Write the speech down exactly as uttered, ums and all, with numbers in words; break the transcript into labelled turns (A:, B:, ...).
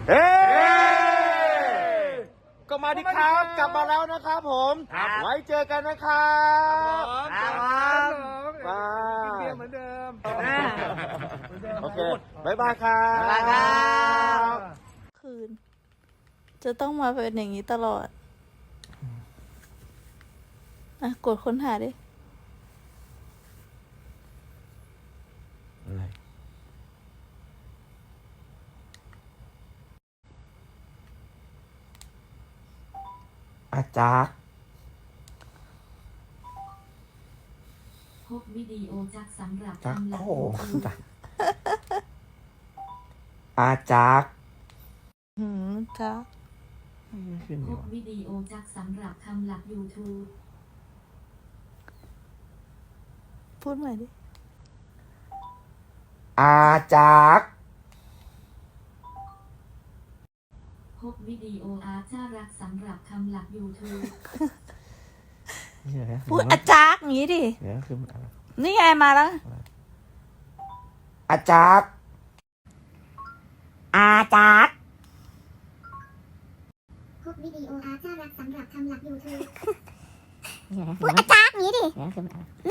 A: เฮ้ก็มาดิครับกลับมาแล้วนะครับผมไว้เจอกันนะครับ
B: ครับ
A: มา
B: เบียร์เหมือนเดิม
A: โอเคบ๊ายบายครับ
B: บ๊ายบายครับ
C: คืน จะต้องมาเป็นอย่างนี้ตลอด อ่ะ กดค้นหาดิ
A: อะไรอาจารย์
D: พบวิดีโอจากสำหรับ
A: จัก
D: ทำหลัก
A: โอ้
D: ยูทูบ
A: จักอาจารย์
C: หืมจ้า
A: ไม่ขึ้น
D: พ
A: ดี
D: บ
A: วะ
D: วิดีโอจากสำหรับทำหลัก YouTube
C: พูดใหม่ดิ
A: อาจารย์
D: พบวิดีโออาจารักสำหรับทำหลัก YouTube
A: เดี๋ยวนะ
C: พูดอาจารย์อย่างนี้ดิ
A: เดี๋ยวนะคือมันอะไร
C: นี่ไงมาแล้ว
A: อาจารย์
C: อาจารย์
E: พบวิดีโออาจารักสำหรับทำหลัก YouTube
C: พูดอาจารย์อย่างนี้ดิ